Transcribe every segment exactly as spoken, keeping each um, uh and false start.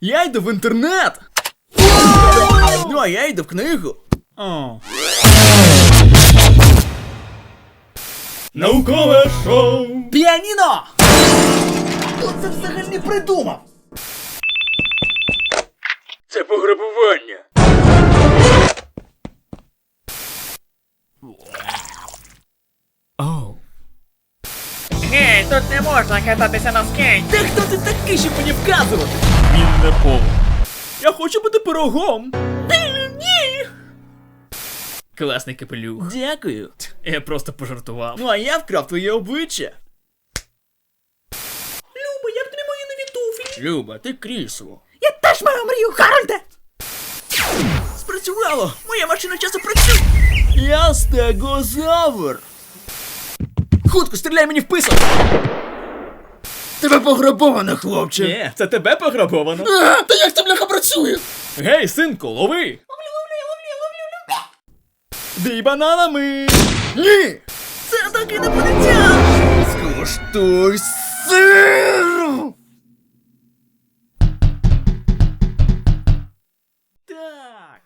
Я йду в інтернет. Ну, а я йду в книгу. О. Наукове шоу! Піаніно! Хто це взагалі придумав? Це пограбування. Оу. Гей, тут не можна кататися на скейті. Та хто ти такий, щоб мені вказувати? Він не повар. Я хочу бути пирогом. Ні. Класний капелюх. Дякую. Я просто пожартував. Ну а я вкрав твоє обличчя. Люба, як тобі мої нові туфлі? Люба, ти крісло. Я теж маю мрію, Гарольде! Спрацювало! Моя машина часу працює! Я стегозавр! Хутко, стріляй мені в писок! Тебе пограбовано, хлопче! Ні, це тебе пограбовано. А, та як це, бляха, працює? Гей, синку, лови! Бій бананами! Ні! Це так інопланетян! Скуштуй сиру! Так.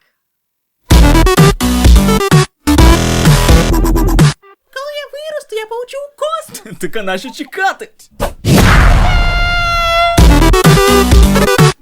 Коли я виросту, я получу кост! Так а нащо чекати?